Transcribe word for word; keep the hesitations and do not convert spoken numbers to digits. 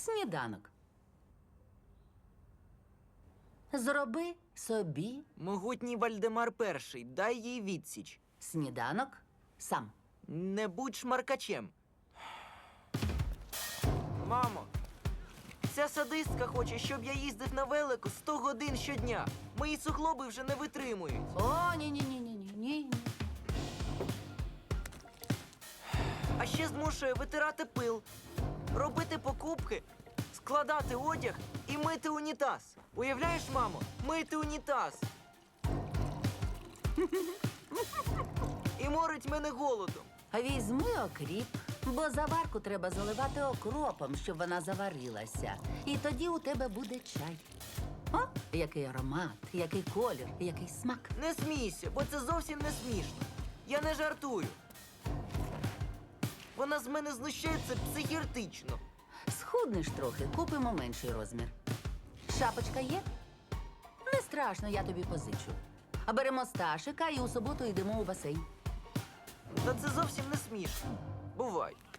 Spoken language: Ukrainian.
Сніданок. Зроби собі Могутній Вальдемар Перший, дай їй відсіч. сніданок сам. Не будь шмаркачем. Мамо, ця садистка хоче, щоб я їздив на велику сто годин щодня. Мої суглоби вже не витримують. О, ні-ні-ні-ні-ні-ні. А ще змушує витирати пил, робити покупки, складати одяг і мити унітаз. Уявляєш, мамо, мити унітаз. І морить мене голодом. Візьми окріп, бо заварку треба заливати окропом, щоб вона заварилася. І тоді у тебе буде чай. О, який аромат, який колір, який смак. Не смійся, бо це зовсім не смішно. Я не жартую. Вона з мене знущається психіатрично. Схуднеш трохи, купимо менший розмір. Шапочка є? Не страшно, я тобі позичу. А беремо Сташика і у суботу йдемо у басейн. Та це зовсім не смішно. Бувай.